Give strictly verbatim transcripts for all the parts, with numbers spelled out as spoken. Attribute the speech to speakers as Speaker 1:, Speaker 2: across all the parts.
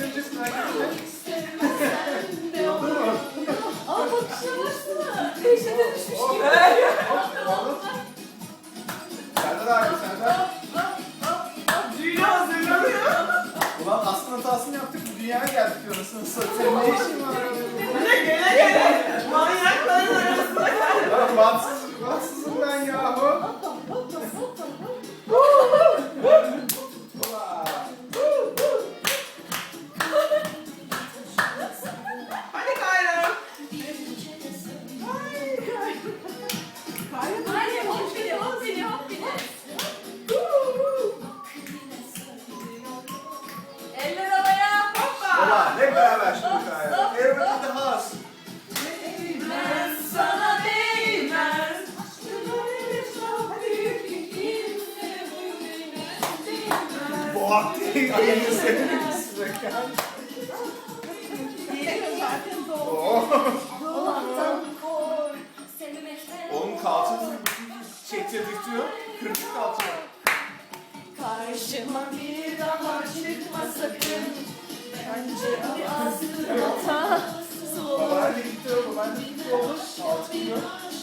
Speaker 1: Göreceksin arkadaşlar.
Speaker 2: Olur mu?
Speaker 3: Aa bakışına baksana. Dehşete düşmüş gibi.
Speaker 1: Serdar abi Serdar.
Speaker 2: Dünya hazırlanıyor.
Speaker 1: Ulan aslında hatasını yaptık. Bu dünyaya geldik diyorsun. Senin ne işin var?
Speaker 2: Ne gele gele. Manyakların arasında geldi.
Speaker 1: Lan bahtsız, bahtsızım ben yahu.
Speaker 2: Hadi Kayra. Kayra.
Speaker 3: Hayır hop beni hop beni hop beni. Eller havaya.
Speaker 2: Hoppa.
Speaker 1: Ulan hep beraber şimdi kaya. Everybody the house.
Speaker 3: Ben sana değmez.
Speaker 1: Boğak diye ayını sevdim size.
Speaker 3: Allah'tan kork. Sevmekten
Speaker 1: Onun kalçası çektirdik diyor. Kırık kalça var.
Speaker 3: karşıma bir daha çıkma sakın. Bence bu aslında hatası olur.
Speaker 1: Babaanne gitti o. Babaanne gitti oğlum. Altı kilo.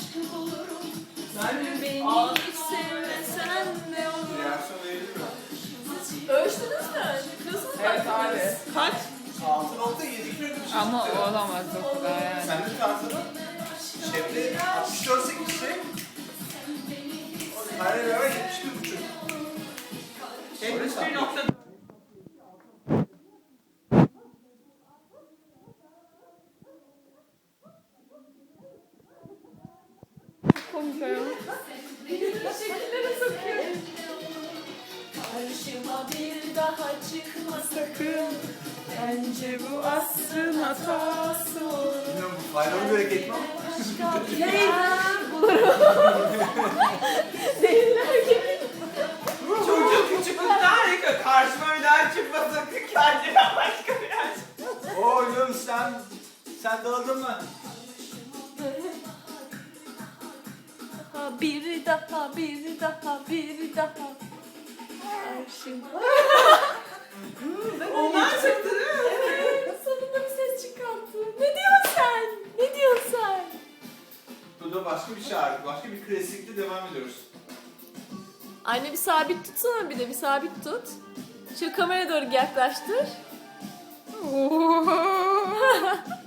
Speaker 2: Ben
Speaker 3: Beni
Speaker 2: Aa,
Speaker 3: hiç sevmesen ne olur?
Speaker 1: Reaksiyon verir mi?
Speaker 3: Ölçtünüz mü? Nasıl
Speaker 2: Evet abi. Kaç?
Speaker 1: altı nokta yedi kilo bir şey
Speaker 4: Ama
Speaker 1: çıktı.
Speaker 4: olamaz o kadar yani.
Speaker 1: Sen de tartını. Şefte altmış dört sekiz şey. Her beraber yetmiş bir buçuk.
Speaker 2: yetmiş bir nokta.
Speaker 4: Komik ayol.
Speaker 3: Şekillere sokuyor. Karşıma bir daha çıkma sakın. Bence bu asrın hatası olur.
Speaker 1: Bilmiyorum bu faydalı bir hareket mi?
Speaker 3: Başka bir yer bulurum. Deliler gibi.
Speaker 2: Çocuk küçüklükten harika. Karşıma bir daha çıkma sakın kendine başka bir yer.
Speaker 1: Oğlum sen, sen dağıldın mı?
Speaker 3: Daha bir daha bir daha bir daha. Karşıma.
Speaker 2: Onlar çıktı değil mi?
Speaker 3: Evet, sonunda bir ses çıkarttı. Ne diyorsun sen? Ne diyorsun sen?
Speaker 1: Bu da başka bir şarkı, başka bir klasikle devam ediyoruz.
Speaker 3: Anne bir sabit tutsana bir de bir sabit tut. Şu kameraya doğru yaklaştır.